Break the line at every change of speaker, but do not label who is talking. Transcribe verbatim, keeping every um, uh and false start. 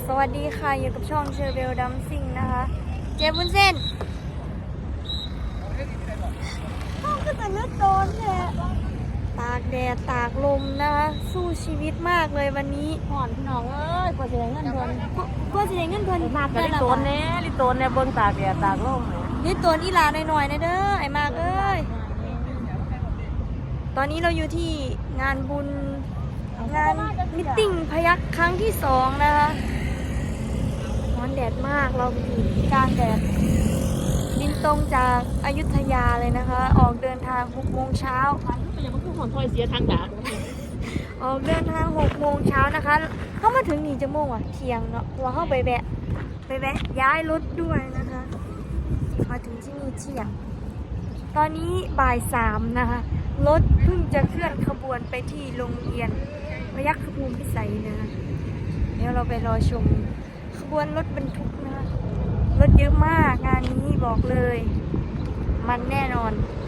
สวัสดีค่ะอยู่กับช่องเชอร์เบลดัมซิงนะคะเจ๊บุญเส้นห้องก็จะเลือดโดนแหละตากแดดตากลมนะคะสู้ชีวิตมากเลยวันนี้ห่อนพี่น้องเอ้ยกว่าจะได้เงินเดือนกว่าจะได้เงินเดือนมากเลยลิโตนเนี่ยลิโตนเนี่ยเบิ้งตากแดดตากลมลิโตนอีหลาหน่อยๆนะเด้อไอ้มากเอ้ยตอนนี้เราอยู่ที่งานบุญงานมิตติ้งพยัคฆ์ครั้งที่สองนะคะร้อนแดดมากเราอยู่กลางแดดบินตรงจากอยุธยาเลยนะคะออกเดินทางหกโมงเช้า
อย่างมันคือหอนถอยเสียทางดาบ
ออกเดินทางหกโมงเช้านะคะเข้ามาถึงนี่จะโมงอ่ะเที่ยงเนาะเราเข้าไปแวะไปแวะย้ายรถด้วยนะคะมาถึงที่นี่เที่ยงตอนนี้บ่ายสามนะคะรถเพิ่งจะเคลื่อนขบวนไปที่โรงเรียนพยัคฆภูมิพิสัยนะคะเดี๋ยวเราไปรอชมขบวนรถบรรทุกนะคะรถเยอะมากงานนี้บอกเลยมันแน่นอน